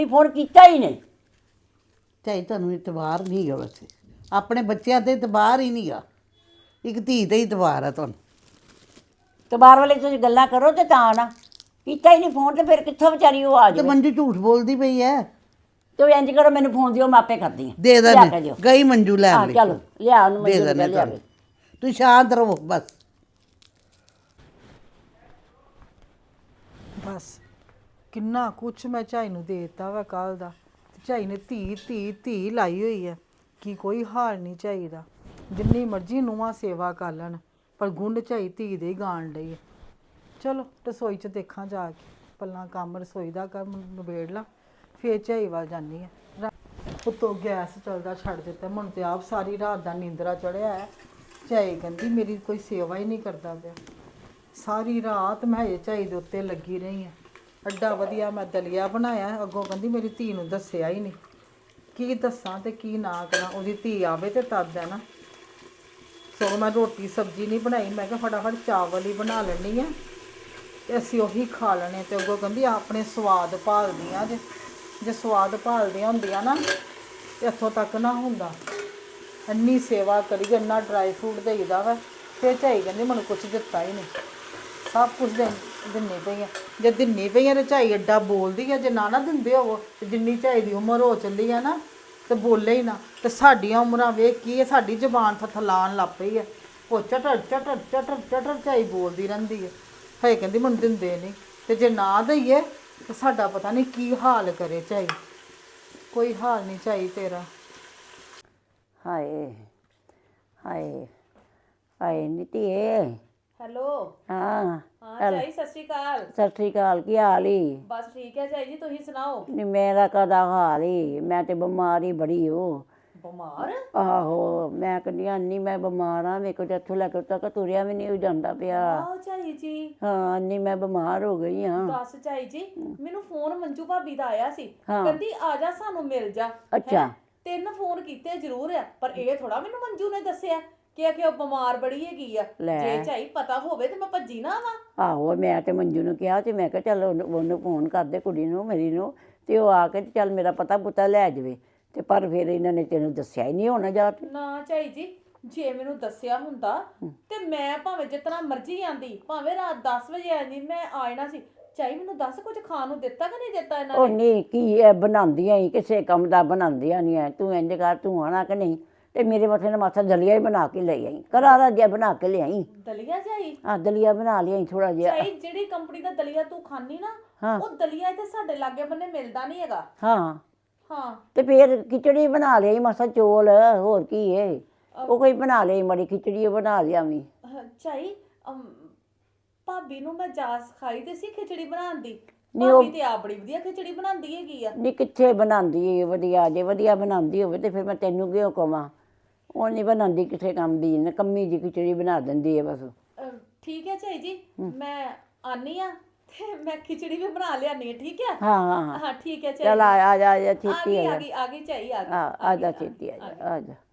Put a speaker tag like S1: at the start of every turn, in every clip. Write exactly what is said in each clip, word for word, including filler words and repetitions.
S1: Phone किया ही नहीं।
S2: ਚਾਹੀ ਤੁਹਾਨੂੰ ਇਤਬਾਰ ਨਹੀਂ ਗਾ ਵੈਸੇ ਆਪਣੇ ਬੱਚਿਆਂ ਤੇ ਇਤਬਾਰ ਹੀ ਨਹੀਂ ਗਾ ਇੱਕ ਧੀ ਤੇ ਇਤਬਾਰ ਹੈ ਤੁਹਾਨੂੰ
S1: तो बाहर वाले तुम गल्ला करो तो ता ना किया ही नहीं फोन तो फिर कितों बेचारी वो आ
S2: ਤੇ
S1: जाए।
S2: ਮੰਜੂ ਝੂਠ ਬੋਲਦੀ ਪਈ ਹੈ
S1: तो इंज करो मैंने फोन दियो मैं आपे करती हूँ।
S2: ਦੇ
S1: लिया के
S2: ਦੇ
S1: दियो।
S2: ਗਈ ਮੰਜੂ ਲੈਣ
S1: हाँ
S2: ਲਈ
S1: चलो लिया उन्हें
S2: ਦੇ
S1: मंजूर
S2: ਦੇਣੇ
S1: कर लिया
S2: ਤੁਹਾਨੂੰ ਤੁਸੀਂ ਸ਼ਾਂਤ ਰਹੋ ਬਸ
S3: ਬਸ ਕਿੰਨਾ ਕੁਛ ਮੈਂ ਝਾਈ ਨੂੰ ਦੇ ਦਿੱਤਾ ਵਾ ਕੱਲ ਦਾ ਤੇ ਝਾਈ ਨੇ ਧੀ ਧੀ ਧੀ ਲਾਈ ਹੋਈ ਹੈ ਕਿ ਕੋਈ ਹਾਲ ਨਹੀਂ ਝਾਈ ਦਾ ਜਿੰਨੀ ਮਰਜ਼ੀ ਨੂੰਹਾਂ ਸੇਵਾ ਕਰ ਲੈਣ ਪਰ ਗੁੰਡ ਝਾਈ ਧੀ ਦੇ ਹੀ ਗਾਣ ਲਈ ਹੈ। ਚਲੋ ਰਸੋਈ 'ਚ ਦੇਖਾਂ ਜਾ ਕੇ ਪੱਲਾ ਕੰਮ ਰਸੋਈ ਦਾ ਕੰਮ ਨਿਬੇੜ ਲਾਂ ਫੇਰ ਝਾਈ ਵੱਲ ਜਾਂਦੀ ਹੈ। ਉੱਤੋਂ ਗੈਸ ਚੱਲਦਾ ਛੱਡ ਦਿੱਤਾ ਮੈਨੂੰ ਤੇ ਆਪ ਸਾਰੀ ਰਾਤ ਦਾ ਨੀਂਦਰਾ ਚੜਿਆ ਹੈ। ਝਾਈ ਕਹਿੰਦੀ ਮੇਰੀ ਕੋਈ ਸੇਵਾ ਹੀ ਨਹੀਂ ਕਰਦਾ ਪਿਆ। ਸਾਰੀ ਰਾਤ ਮੈਂ ਹਜੇ ਝਾਈ ਦੇ ਉੱਤੇ ਲੱਗੀ ਰਹੀ ਹਾਂ। ਅੱਡਾ ਵਧੀਆ ਮੈਂ ਦਲੀਆ ਬਣਾਇਆ ਅੱਗੋਂ ਕਹਿੰਦੀ ਮੇਰੀ ਧੀ ਨੂੰ ਦੱਸਿਆ ਹੀ ਨਹੀਂ ਕੀ ਦੱਸਾਂ ਤੇ ਕੀ ਨਾ ਕਰਾਂ ਉਹਦੀ ਧੀ ਆਵੇ ਤੇ ਤਦ ਹੈ ਨਾ। ਸੋ ਮੈਂ ਰੋਟੀ ਸਬਜ਼ੀ ਨਹੀਂ ਬਣਾਈ ਮੈਂ ਕਿਹਾ ਫਟਾਫਟ ਚਾਵਲ ਹੀ ਬਣਾ ਲੈਣੀ ਆ ਤੇ ਅਸੀਂ ਉਹੀ ਖਾ ਲੈਣੇ ਤੇ ਅੱਗੋਂ ਕਹਿੰਦੀ ਆਪਣੇ ਸਵਾਦ ਭਾਲਦੀਆਂ ਜੇ ਜੇ ਸਵਾਦ ਭਾਲਦੀਆਂ ਹੁੰਦੀਆਂ ਨਾ ਤੇ ਇੱਥੋਂ ਤੱਕ ਨਾ ਹੁੰਦਾ। ਇੰਨੀ ਸੇਵਾ ਕਰੀ ਇੰਨਾ ਡਰਾਈ ਫਰੂਟ ਦੇਈਦਾ ਵਾ ਫਿਰ ਝਾਈ ਕਹਿੰਦੀ ਮੈਨੂੰ ਕੁਛ ਦਿੱਤਾ ਹੀ ਨਹੀਂ ਸਭ ਕੁਝ ਦੇ ਦਿੰਨੀ ਪਈ ਆ ਜੇ ਦਿੰਨੀ ਪਈ ਆ ਤੇ ਝਾਈ ਐਡਾ ਬੋਲਦੀ ਆ ਜੇ ਨਾ ਨਾ ਦਿੰਦੇ ਹੋਵੋ ਤੇ ਜਿੰਨੀ ਝਾਈ ਦੀ ਉਮਰ ਹੋ ਚੱਲੀ ਆ ਨਾ ਤੇ ਬੋਲੇ ਹੀ ਨਾ ਤੇ ਸਾਡੀਆਂ ਉਮਰਾਂ ਵੇਖ ਕੀ ਹੈ ਸਾਡੀ ਜ਼ਬਾਨ ਥਥਲਾਣ ਲੱਗ ਪਈ ਹੈ ਉਹ ਚਟਰ ਚਟਰ ਚਟਰ ਚਟਰ ਝਾਈ ਬੋਲਦੀ ਰਹਿੰਦੀ ਹੈ ਹੈ ਕਹਿੰਦੀ ਮੈਨੂੰ ਦਿੰਦੇ ਨਹੀਂ ਤੇ ਜੇ ਨਾ ਦਈਏ ਤੇ ਸਾਡਾ ਪਤਾ ਨਹੀਂ ਕੀ ਹਾਲ ਕਰੇ ਝਾਈ ਕੋਈ ਹਾਲ ਨਹੀਂ ਝਾਈ ਤੇਰਾ।
S1: हाय हाय हाय नीतिए
S4: ਹੈਲੋ
S1: हाँ
S4: ਹਾਂ ਝਾਈ ਸਤਿ ਸ਼੍ਰੀ ਅਕਾਲ।
S1: सत श्री अकाल की हाल ही
S4: ਬਸ ਠੀਕ ਹੈ ਝਾਈ ਜੀ ਤੁਸੀਂ ਸੁਣਾਓ।
S1: नहीं मेरा कदा हाल ही मैं तो बीमार ही बड़ी हो
S4: ਬਿਮਾਰ
S1: आहो मैं कहनी अन्नी मैं बीमार हाँ मेरे को तो इत्थों लैके तक तुरिया भी नहीं जाता पिया।
S4: ਆਹ ਝਾਈ ਜੀ
S1: हाँ अन्नी मैं बीमार हो गई हाँ।
S4: ਦੱਸ ਝਾਈ ਜੀ ਮੈਨੂੰ ਫੋਨ ਮੰਜੂ ਭਾਬੀ ਦਾ ਆਇਆ ਸੀ
S1: ਹਾਂ।
S4: ਕਹਿੰਦੀ ਆ ਜਾ ਸਾਨੂੰ ਮਿਲ ਜਾ।
S1: ਅੱਛਾ।
S4: ਹੈਂ? ਤਿੰਨ ਫੋਨ ਕੀਤੇ ਜ਼ਰੂਰ ਆ ਪਰ ਇਹ ਥੋੜਾ ਮੈਨੂੰ ਮੰਜੂ ਨੇ ਦੱਸਿਆ ਕਿ ਕਿ ਉਹ ਬਿਮਾਰ ਬੜੀ ਹੈਗੀ ਆ।
S1: ਲੈ।
S4: ਜੇ ਝਾਈ ਪਤਾ ਹੋਵੇ ਤੇ ਮੈਂ ਭੱਜੀ ਨਾ ਆਵਾਂ।
S1: ਆਹੋ ਮੈਂ ਤੇ ਮੰਜੂ ਨੂੰ ਕਿਹਾ ਤੇ ਮੈਂ ਕਿਹਾ ਚੱਲ ਉਹਨੂੰ ਉਹਨੂੰ ਫੋਨ ਕਰਦੇ ਕੁੜੀ ਨੂੰ ਮੇਰੀ ਨੂੰ ਤੇ ਉਹ ਆ ਕੇ ਤੇ ਚੱਲ ਮੇਰਾ ਪਤਾ ਪੁੱਤਾ ਲੈ ਜਾਵੇ ਤੇ ਪਰ ਫਿਰ ਇਹਨਾਂ ਨੇ ਤੈਨੂੰ ਦੱਸਿਆ ਹੀ ਨਹੀਂ ਹੋਣਾ ਜਾ ਕੇ।
S4: ਨਾ ਝਾਈ ਜੀ ਜੇ ਮੈਨੂੰ ਦੱਸਿਆ ਹੁੰਦਾ ਤੇ ਮੈਂ ਭਾਵੇਂ ਜਿਤਨਾ ਮਰਜ਼ੀ ਆਂਦੀ ਭਾਵੇਂ ਰਾਤ ਦਸ ਵਜੇ ਆਂਦੀ ਮੈਂ ਆ ਜਾਣਾ ਸੀ। ਝਾਈ ਮੈਨੂੰ ਦੱਸ ਕੁਝ ਖਾਣ ਨੂੰ ਦਿੱਤਾ ਕਿ ਨਹੀਂ ਦਿੱਤਾ ਇਹਨਾਂ
S1: ਉਹ
S4: ਨੇ?
S1: ਨਹੀਂ ਕੀ ਇਹ ਬਣਾਉਂਦੀਆਂ ਹੀ ਕਿਸੇ ਕੰਮ ਦਾ ਬਣਾਉਂਦੀਆਂ ਨਹੀਂ ਐ ਤੂੰ ਇੰਜ ਕਰ ਤੂੰ ਆਣਾ ਕਿ ਨਹੀਂ ਤੇ ਮੇਰੇ ਮੱਥੇ ਨਾਲ ਮਾਸਾ ਦਲੀਆ ਹੀ ਬਣਾ ਕੇ ਲੈ ਆਈ ਕਰਾਰਾ ਜਿਹਾ ਬਣਾ ਕੇ ਲਿਆਈ।
S4: ਦਲੀਆ ਝਾਈ
S1: ਹਾਂ ਦਲੀਆ ਬਣਾ ਲਿਆਈ ਥੋੜਾ ਜਿਹਾ।
S4: ਝਾਈ ਜਿਹੜੀ ਕੰਪਨੀ ਦਾ ਦਲੀਆ ਤੂੰ ਖਾਨੀ ਨਾ
S1: ਹਾਂ।
S4: ਉਹ ਦਲੀਆ ਇੱਥੇ ਸਾਡੇ ਲਾਗੇ ਬੰਨੇ ਮਿਲਦਾ ਨਹੀਂ ਹੈਗਾ।
S1: ਹਾਂ
S4: ਹਾਂ
S1: ਤੇ ਫਿਰ ਖਿਚੜੀ ਬਣਾ ਲਈ ਮਾਸਾ ਚੋਲ ਹੋਰ ਕੀ ਏ ਉਹ ਕੋਈ ਬਣਾ ਲਈ ਮੜੀ ਖਿਚੜੀ ਬਣਾ ਲਿਆ ਵੀ।
S4: ਅਹ ਝਾਈ ਅਮ, ਭਾਬੀ ਨੂੰ ਮੈਂ ਜਾਚ ਸਿਖਾਈ ਤੇ ਸੀ ਖਿਚੜੀ ਬਣਾਉਣ ਦੀ।
S1: ਨਹੀਂ ਉਹ-
S4: ਭਾਬੀ ਤੇ ਆ ਬੜੀ ਵਧੀਆ ਖਿਚੜੀ ਬਣਾਉਂਦੀ ਹੈਗੀ ਆ।
S1: ਨਹੀਂ ਕਿੱਥੇ ਬਣਾਉਂਦੀ ਏ ਵਧੀਆ ਜੇ ਵਧੀਆ ਬਣਾਉਂਦੀ ਹੋਵੇ ਤੇ ਫਿਰ ਮੈਂ ਤੈਨੂੰ ਕਿਉਂ ਕਵਾਂ ਉਹ ਨਹੀਂ ਬਣਾਉਂਦੀ ਕਿਸੇ ਕੰਮ ਦੀ ਨਕੰਮੀ ਜੀ ਖਿਚੜੀ ਬਣਾ ਦਿੰਦੀ ਹੈ ਬਸ।
S4: ਅਹ, ਠੀਕ ਹੈ ਝਾਈ ਜੀ ਮੈਂ ਆਨੀ ਆ ਤੇ ਮੈਂ ਖਿਚੜੀ ਵੀ ਬਣਾ ਲਿਆਨੀ ਆ ਠੀਕ ਹੈ।
S1: ਹਾਂ ਹਾਂ ਹਾਂ
S4: ਹਾਂ ਠੀਕ ਹੈ ਝਾਈ
S1: ਚੱਲ ਆ ਆ ਜਾ ਆ ਜਾ
S4: ਆ
S1: ਛੇਤੀ
S4: ਗਈ
S1: ਆ
S4: ਆ
S1: ਜਾ
S4: ਗਈ ਆ ਗਈ ਝਾਈ ਆ ਗਈ
S1: ਆ ਆ ਜਾ ਛੇਤੀ ਆ ਜਾ ਆ ਜਾ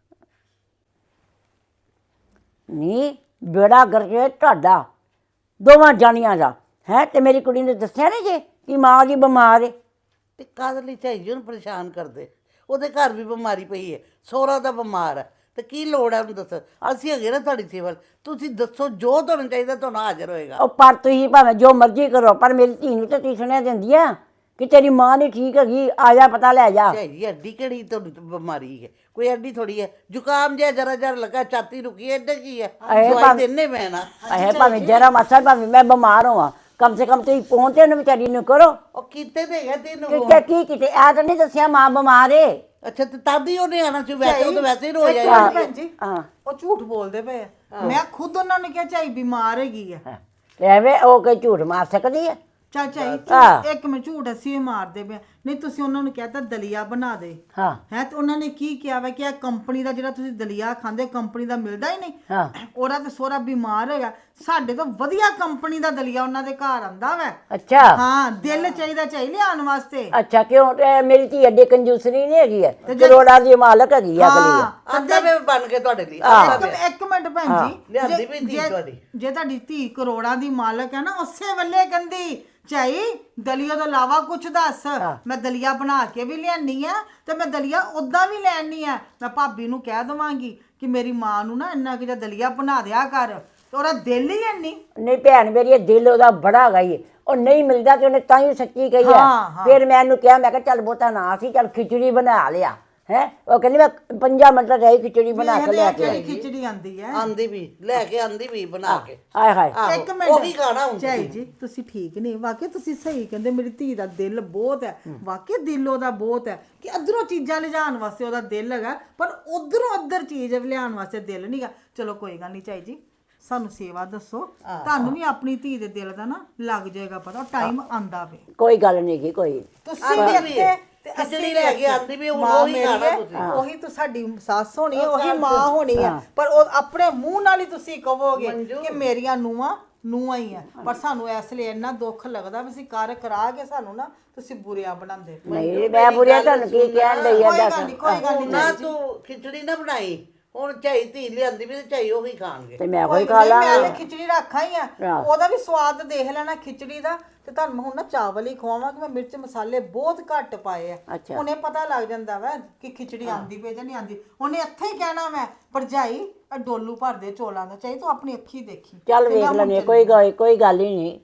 S1: ਨੀ ਬੇੜਾ ਗਰਜੇ ਤੁਹਾਡਾ ਦੋਵਾਂ ਜਾਣੀਆਂ ਦਾ ਹੈ ਤੇ ਮੇਰੀ ਕੁੜੀ ਨੇ ਦੱਸਿਆ ਨਹੀਂ ਜੇ ਕਿ ਮਾਂ ਦੀ ਬਿਮਾਰ ਏ।
S2: ਤੇ ਕਾਹਦੇ ਲਈ ਝਾਈ ਜੀ ਨੂੰ ਪਰੇਸ਼ਾਨ ਕਰਦੇ ਉਹਦੇ ਘਰ ਵੀ ਬਿਮਾਰੀ ਪਈ ਹੈ ਸਹੁਰਾ ਦਾ ਬਿਮਾਰ ਹੈ ਤੇ ਕੀ ਲੋੜ ਹੈ ਉਹਨੂੰ ਦੱਸ ਅਸੀਂ ਹੈਗੇ ਨਾ ਤੁਹਾਡੀ ਸੇਵਾ ਤੁਸੀਂ ਦੱਸੋ ਜੋ ਤੁਹਾਨੂੰ ਚਾਹੀਦਾ ਤੁਹਾਨੂੰ ਹਾਜ਼ਰ ਹੋਏਗਾ।
S1: ਉਹ ਪਰ ਤੁਸੀਂ ਭਾਵੇਂ ਜੋ ਮਰਜ਼ੀ ਕਰੋ ਪਰ ਮੇਰੀ ਧੀ ਨੂੰ ਤਾਂ ਤੁਸੀਂ ਸੁਣਿਆ ਦਿੰਦੀ ਆ ਕਿ ਤੇਰੀ ਮਾਂ ਨਹੀਂ ਠੀਕ ਹੈਗੀ ਆ ਜਾ ਪਤਾ ਲੈ ਜਾ।
S2: ਝਾਈ ਜੀ ਐਡੀ ਕਿਹੜੀ ਤੁਹਾਨੂੰ ਬਿਮਾਰੀ ਹੈ ਕੋਈ ਐਡੀ ਥੋੜੀ ਹੈ ਜ਼ੁਕਾਮ ਜਿਹਾ ਜਰਾ ਜਰਾ ਲੱਗਾ ਛਾਤੀ ਰੁਕੀ ਐਡਾ ਕੀ ਹੈ
S1: ਇਹ
S2: ਦਵਾਈ
S1: ਭਾਵੇਂ-
S2: ਦੇਣੇ ਪੈਣਾ
S1: ਇਹ ਭਾਵੇਂ ਜਰਾ ਮਾਸਾ ਭਾਵੇਂ ਮੈਂ ਬਿਮਾਰ ਹੋਵਾਂ ਕਮ ਸੇ ਕਮ ਤੁਸੀਂ ਪਹੁੰਚੇ ਨੂੰ ਵਿਚਾਰੀ ਨੂੰ ਕਰੋ
S2: ਉਹ ਕੀਤੇ ਤੇ ਹੈਗਾ ਤੈਨੂੰ
S1: ਕਿ ਕੀ ਕਿਤੇ ਆ ਤਾਂ ਨਹੀਂ ਦੱਸਿਆ ਮਾਂ ਬਿਮਾਰ ਏ।
S2: ਅੱਛਾ ਤੇ ਤਦ ਹੀ ਉਹਨੇ ਆਣਾ ਸੀ ਵੈਸੇ ਉਹ ਤਾਂ ਵੈਸੇ ਹੀ ਰੋ
S3: ਇੱਕ
S2: ਜਾਏਗਾ
S3: ਮਿੰਟ ਭੈਣ ਜੀ
S1: ਹਾਂ
S3: ਉਹ ਝੂਠ ਬੋਲਦੇ ਪਏ ਆ ਮੈਂ ਖੁਦ ਉਹਨਾਂ ਨੇ ਕਿਹਾ ਝਾਈ ਬਿਮਾਰ ਹੈਗੀ ਆ।
S1: ਐਵੇਂ ਉਹ ਕੋਈ ਝੂਠ ਮਾਰ ਸਕਦੀ ਹੈ।
S3: ਚੱਲ ਝਾਈ
S1: ਹਾਂ।
S3: ਇੱਕ ਮਿੰਟ ਝੂਠ ਅਸੀਂ ਵੀ ਮਾਰਦੇ ਪਏ ਆ। ਨਹੀਂ ਤੁਸੀਂ ਉਹਨਾਂ ਨੂੰ ਕਹਿਤਾ ਦਲੀਆ ਬਣਾ ਦੇ
S1: ਹਾਂ
S3: ਹੈ ਤੇ ਉਹਨਾਂ ਨੇ ਕੀ ਕਿਹਾ ਵਾ ਕਿ ਇਹ ਕੰਪਨੀ ਦਾ ਜਿਹੜਾ ਤੁਸੀਂ ਦਲੀਆ ਖਾਂਦੇ ਕੰਪਨੀ ਦਾ ਮਿਲਦਾ ਹੀ ਨਹੀਂ।
S1: ਹਾਂ
S3: ਉਹਦਾ ਤੇ ਸੋਹਰਾ ਬਿਮਾਰ ਹੈਗਾ ਸਾਡੇ ਤੋਂ ਵਧੀਆ ਕੰਪਨੀ ਦਾ ਦਲੀਆ ਉਹਨਾਂ ਦੇ ਘਰ ਆਂਦਾ ਵਾ।
S1: ਅੱਛਾ
S3: ਹਾਂ ਦਿਲ ਚਾਹੀਦਾ ਚਾਹੀ ਲਿਆਉਣ ਵਾਸਤੇ।
S1: ਅੱਛਾ ਕਿਉਂ ਤੇ ਮੇਰੀ ਧੀ ਅੱਡੇ ਕੰਜੂਸਰੀ ਨਹੀਂ ਹੈਗੀ ਹੈ ਕਰੋੜਾਂ ਦੀ ਮਾਲਕ ਹੈਗੀ ਆ ਅਗਲੀ
S3: ਹਾਂ
S2: ਆਂਦਾ ਵੇ ਬਣ ਕੇ ਤੁਹਾਡੇ ਲਈ
S3: ਇੱਕ ਇੱਕ ਮਿੰਟ ਭੈਣ ਜੀ
S2: ਲਿਆਂਦੀ ਵੀ ਧੀ
S3: ਜੇ-
S2: ਤੁਹਾਡੀ।
S3: ਜੇ ਤੁਹਾਡੀ ਧੀ ਕਰੋੜਾਂ ਦੀ ਮਾਲਕ ਹੈ ਨਾ ਉਸੇ ਵੇਲੇ ਕਹਿੰਦੀ ਝਾਈ ਦਲੀਆ ਤੋਂ ਇਲਾਵਾ ਕੁਝ ਦੱਸ। ਮੈਂ ਦਲੀਆ ਬਣਾ ਕੇ ਵੀ ਲਿਆਨੀ ਆ ਤੇ ਮੈਂ ਦਲੀਆ ਉਦਾਂ ਵੀ ਲੈਣੀ ਆ। ਮੈਂ ਭਾਬੀ ਨੂੰ ਕਹਿ ਦਵਾਂਗੀ ਕਿ ਮੇਰੀ ਮਾਂ ਨੂੰ ਨਾ ਇੰਨਾ ਕਿ ਜਿਹਾ ਦਲੀਆ ਬਣਾ ਦਿਆ ਕਰ, ਤੇ ਉਹਦਾ ਦਿਲ ਹੀ ਨਹੀਂ।
S1: ਨਹੀਂ ਭੈਣ ਮੇਰੀ, ਇਹ ਦਿਲ ਉਹਦਾ ਬੜਾ ਗਈ, ਉਹ ਨਹੀਂ ਮਿਲਦਾ ਤੇ ਉਹਨੇ ਤਾਂ ਹੀ ਸੱਚੀ ਕਹੀ
S3: ਹਾਂ,
S1: ਆ।
S3: ਹਾਂ।
S1: ਫਿਰ ਮੈਂ ਉਹਨੂੰ ਕਿਹਾ, ਮੈਂ ਕਿਹਾ ਚੱਲ ਬਹੁਤਾ ਨਾ ਸੀ, ਚੱਲ ਖਿਚੜੀ ਬਣਾ ਲਿਆ ਹੈ। ਉਹ ਕਹਿੰਦੀ ਮੈਂ ਪੰਜਾਂ ਮਿੰਟਾਂ ਚ ਖਿਚੜੀ ਬਣਾ ਕੇ ਲਿਆ ਕੇ ਆਈ।
S3: ਖਿਚੜੀ ਆਂਦੀ ਹੈ,
S2: ਆਂਦੀ ਵੀ ਲੈ ਕੇ ਆਂਦੀ ਵੀ ਬਣਾ ਕੇ।
S1: ਆਏ ਹਾਏ,
S2: ਆਹੋ,
S3: ਇੱਕ ਮਿੰਟ
S2: ਉਹੀ ਖਾਣਾ ਹੁੰਦਾ।
S3: ਝਾਈ ਜੀ ਤੁਸੀਂ ਠੀਕ ਨਹੀਂ, ਵਾਕਈ ਤੁਸੀਂ ਸਹੀ ਕਹਿੰਦੇ, ਮੇਰੀ ਧੀ ਦਾ ਦਿਲ ਬਹੁਤ ਹੈ, ਵਾਕਈ ਦਿਲ ਉਹਦਾ ਬਹੁਤ ਹੈ ਕਿ ਅਧਰੋਂ ਚੀਜ਼ਾਂ ਲਿਜਾਣ ਵਾਸਤੇ ਉਹਦਾ ਦਿਲ ਹੈਗਾ, ਪਰ ਉਧਰੋਂ ਅਧਰ ਚੀਜ਼ ਲਿਆਉਣ ਵਾਸਤੇ ਦਿਲ ਨਹੀਂਗਾ। ਚਲੋ ਕੋਈ ਗੱਲ ਨਹੀਂ ਝਾਈ ਜੀ, ਸਾਨੂੰ ਸੇਵਾ ਦੱਸੋ, ਤੁਹਾਨੂੰ ਵੀ ਆਪਣੀ ਧੀ ਦੇ ਦਿਲ ਦਾ ਨਾ ਲੱਗ ਜਾਏਗਾ ਪਤਾ, ਟਾਈਮ ਆਂਦਾ ਵੇ।
S1: ਕੋਈ ਗੱਲ ਨਹੀਂ ਗੀ ਕੋਈ।
S3: ਤੁਸੀਂ ਵੀ ਇੱਥੇ ਤੇ
S2: ਖਿਚੜੀ
S3: ਅਸੀਂ
S2: ਲੈ ਕੇ ਆਂਦੀ ਵੀ ਹੁਣ ਉਹੀ ਖਾਣਾ ਤੁਸੀਂ।
S3: ਉਹੀ ਤਾਂ ਸਾਡੀ ਸੱਸ ਹੋਣੀ ਹੈ, ਉਹੀ ਮਾਂ ਹੋਣੀ ਹੈ, ਪਰ ਉਹ ਆਪਣੇ ਮੂੰਹ ਨਾਲ ਹੀ ਤੁਸੀਂ ਕਹੋਗੇ ਕਿ ਮੇਰੀਆਂ ਨੂੰਹਾਂ ਨੂੰਹਾਂ ਹੀ ਆ। ਪਰ ਸਾਨੂੰ ਇਸ ਲਈ ਇੰਨਾ ਦੁੱਖ ਲੱਗਦਾ ਵੀ ਅਸੀਂ ਕਰ ਕਰਾ ਕੇ ਸਾਨੂੰ ਨਾ ਤੁਸੀਂ ਬੁਰਿਆਂ ਬਣਾਉਂਦੇ।
S1: ਨਹੀਂ ਮੈਂ ਬੁਰਿਆ ਤੁਹਾਨੂੰ ਕੀ ਕਹਿਣ ਡਈ ਆ
S3: ਕੋਈ ਗੱਲ
S1: ਦੱਸ।
S3: ਨਹੀਂ, ਕੋਈ ਗੱਲ ਨਹੀਂ
S2: ਨਾ ਤੂੰ ਖਿਚੜੀ ਨਾ ਬਣਾਈ, ਹੁਣ ਝਾਈ ਧੀ ਲਿਆਂਦੀ ਵੀ ਤੇ ਝਾਈ ਉਹੀ ਖਾਣਗੇ।
S1: ਤੇ ਮੈਂ ਕੋਈ
S3: ਕੋਈ
S1: ਖਾ
S3: ਨਹੀਂ, ਮੈਂ
S1: ਲਾਂਗੀ।
S3: ਤੇ ਖਿਚੜੀ ਰੱਖਾਂ ਹੀ ਆ, ਉਹਦਾ ਵੀ ਸਵਾਦ ਦੇਖ ਲੈਣਾ ਖਿਚੜੀ ਦਾ। ਤੇ ਤੁਹਾਨੂੰ ਮੈਂ ਹੁਣ ਨਾ ਚਾਵਲ ਹੀ ਖਵਾਵਾਂਗੀ, ਮੈਂ ਮਿਰਚ ਮਸਾਲੇ ਬਹੁਤ ਘੱਟ ਪਾਏ ਆ।
S1: ਅੱਛਾ।
S3: ਉਹਨੇ ਪਤਾ ਲੱਗ ਜਾਂਦਾ ਵਾ ਕਿ ਖਿਚੜੀ ਆਂਦੀ ਪਈ ਜਾਂ ਨਹੀਂ ਆਂਦੀ। ਉਹਨੇ ਇੱਥੇ ਹੀ ਕਹਿਣਾ ਮੈਂ ਭਰਜਾਈ ਇਹ ਡੋਲੂ ਭਰ ਦੇ ਚੋਲਾਂ ਦਾ, ਚਾਹੀ ਤੂੰ ਆਪਣੀ ਅੱਖੀ ਦੇਖੀ।
S1: ਚੱਲ ਵੇਖ ਲੈਣੇ, ਕੋਈ ਗੱਲ ਕੋਈ ਗੱਲ ਹੀ ਨਹੀਂ।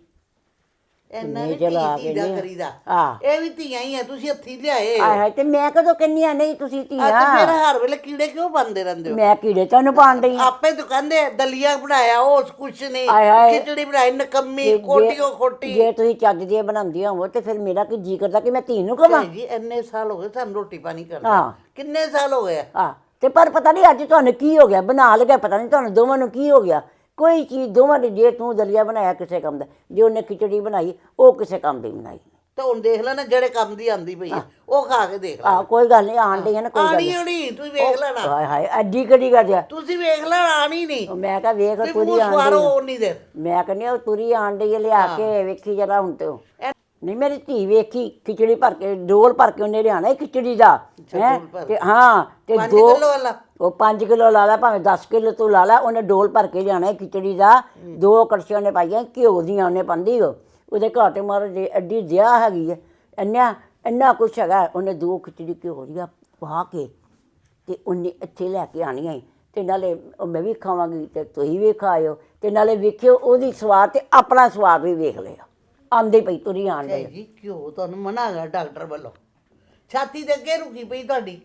S2: ਇੰਨਾ ਵੀ ਧੀ ਧੀ ਦਾ ਕਰੀਦਾ।
S1: ਹਾਂ।
S2: ਇਹ ਵੀ ਧੀਆਂ ਹੀ ਆ, ਤੁਸੀਂ ਹੱਥੀ ਲਿਆਏ।
S1: ਆਏ ਹਾਏ, ਤੇ ਮੈਂ ਕਦੋਂ ਕਹਿੰਨੀ ਆ ਨਹੀਂ ਤੁਸੀਂ
S2: ਆ ਤੇ
S1: ਧੀਆਂ।
S2: ਫਿਰ ਹਰ ਵੇਲੇ ਕੀੜੇ ਕਿਉਂ ਪਾਉਂਦੇ ਰਹਿੰਦੇ ਹੋ?
S1: ਮੈਂ ਕੀੜੇ ਤੁਹਾਨੂੰ ਪਾਣ ਡਈ ਆ।
S2: ਆਪੇ ਤਾਂ ਕਹਿੰਦੇ ਆ, ਦਲੀਆ ਬਣਾਇਆ ਉਹ ਕੁਛ ਨਹੀਂ,
S1: ਆਏ ਹਾਏ।
S2: ਖਿਚੜੀ ਬਣਾਈ ਨਕੰਮੀ
S1: ਜੇ-
S2: ਕੋਟੀਓ ਖੋਟੀ।
S1: ਜੇ ਤੁਸੀਂ ਚੱਜ ਦੀਆਂ ਬਣਾਉਂਦੀਆਂ ਹੋਵੋ ਤੇ ਫਿਰ ਮੇਰਾ ਕੀ ਜੀ ਕਰਦਾ ਕਿ ਮੈਂ ਧੀ ਨੂੰ ਕਵਾਂ।
S2: ਝਾਈ ਜੀ ਇੰਨੇ ਸਾਲ ਹੋ ਗਏ ਸਾਨੂੰ ਰੋਟੀ ਪਾਣੀ ਕਰਦੇ,
S1: ਹਾਂ।
S2: ਕਿੰਨੇ ਸਾਲ ਹੋ ਗਏ ਆ?
S1: ਆ ਤੇ ਪਰ ਪਤਾ ਨਹੀਂ ਅੱਜ ਤੁਹਾਨੂੰ ਕੀ ਹੋ ਗਿਆ, ਬਣਾ ਲਗਾ ਪਤਾ ਨਹੀਂ ਤੁਹਾਨੂੰ ਦੋਵਾਂ ਨੂੰ ਕੀ ਹੋ ਗਿਆ। ਕੋਈ ਚੀਜ਼ ਦੋਵਾਂ ਦੀ, ਜੇ ਤੂੰ ਦਲੀਆ ਬਣਾਇਆ ਕਿਸੇ ਕੰਮ ਦਾ, ਜੇ ਉਹਨੇ ਖਿਚੜੀ ਬਣਾਈ ਉਹ ਕਿਸੇ ਕੰਮ ਦੀ ਬਣਾਈ।
S2: ਤਾਂ ਹੁਣ ਦੇਖ ਲੈ ਨਾ, ਜਿਹੜੇ ਕੰਮ ਦੀ ਆਂਦੀ ਪਈ ਆ ਉਹ ਖਾ ਕੇ ਦੇਖ ਲੈ।
S1: ਆ ਕੋਈ ਗੱਲ ਨਹੀਂ, ਆਣ ਡਈ ਆ ਨਾ, ਕੋਈ ਗੱਲ
S2: ਆਣੀ
S1: ਨਹੀਂ।
S2: ਹੋਣੀ ਤੂੰ ਵੇਖ ਲੈਣਾ,
S1: ਹਾਏ ਹਾਏ ਐਡੀ ਕਿਹੜੀ ਗੱਲ ਆ।
S2: ਤੁਸੀਂ ਵੇਖ ਲੈਣਾ, ਆਣੀ ਨਹੀਂ।
S1: ਮੈਂ ਕਿਹਾ ਵੇਖ
S2: ਤੁਸੀਂ
S1: ਪੂਰੀ
S2: ਮੂੰਹ
S1: ਆਣ
S2: ਸਵਾਰੋ
S1: ਡਈ ਆ।
S2: ਉਨੀ ਦੇਰ।
S1: ਮੈਂ ਕਹਿੰਦੀ ਉਹ ਤੁਰੀ ਆਣ ਡਈ ਆ, ਲਿਆ ਕੇ ਵੇਖੀ ਜਰਾ ਹੁਣ ਤੇ ਉਹ। ਨਹੀਂ ਮੇਰੀ ਧੀ ਵੇਖੀ ਖਿਚੜੀ ਭਰ ਕੇ, ਡੋਲ ਭਰ ਕੇ ਉਹਨੇ ਲਿਆਣਾ ਖਿਚੜੀ ਦਾ ਹੈ। ਤੇ ਹਾਂ ਤੇ
S2: ਪੰਜ
S1: ਦੋ
S2: ਕਿੱਲੋ ਵਾਲਾ
S1: ਉਹ ਪੰਜ ਕਿਲੋ ਲਾ ਲਾ, ਭਾਵੇਂ ਦਸ ਕਿਲੋ ਤੂੰ ਲਾ ਲਾ, ਉਹਨੇ ਡੋਲ ਭਰ ਕੇ ਲਿਆਣਾ ਖਿਚੜੀ ਦਾ। ਦੋ ਕੜਛੀਆਂ ਉਹਨੇ ਪਾਈਆਂ ਘਿਓ ਦੀਆਂ, ਉਹਨੇ ਪਾਉਂਦੀ ਉਹ ਉਹਦੇ ਘਾਟੇ ਮਾਰ ਜੇ ਐਡੀ ਜਿਆ ਹੈਗੀ ਹੈ, ਇੰਨਾ ਇੰਨਾ ਕੁਛ ਹੈਗਾ। ਉਹਨੇ ਦੋ ਖਿਚੜੀ ਘਿਓ ਦੀਆਂ ਪਾ ਕੇ ਤੇ ਉਹਨੇ ਇੱਥੇ ਲੈ ਕੇ ਆਣੀਆਂ ਈ। ਤੇ ਨਾਲੇ ਉਹ ਮੈਂ ਵੀ ਖਾਵਾਂਗੀ ਤੇ ਤੁਸੀਂ ਵੀ ਖਾਇਓ, ਤੇ ਨਾਲੇ ਵੇਖਿਓ ਉਹਦੀ ਸਵਾਦ ਤੇ ਆਪਣਾ ਸਵਾਦ ਵੀ ਵੇਖ ਲਿਓ। ਆਂਦੇ ਪਈ ਤੁਰੀ ਆਣ
S2: ਝਾਈ
S1: ਡਈ।
S2: ਜੀ ਘਿਓ ਤੁਹਾਨੂੰ ਮਨਾ ਹੈਗਾ ਡਾਕਟਰ ਵੱਲੋਂ, ਛਾਤੀ ਦੇ ਅੱਗੇ ਰੁਕੀ ਪਈ ਤੁਹਾਡੀ,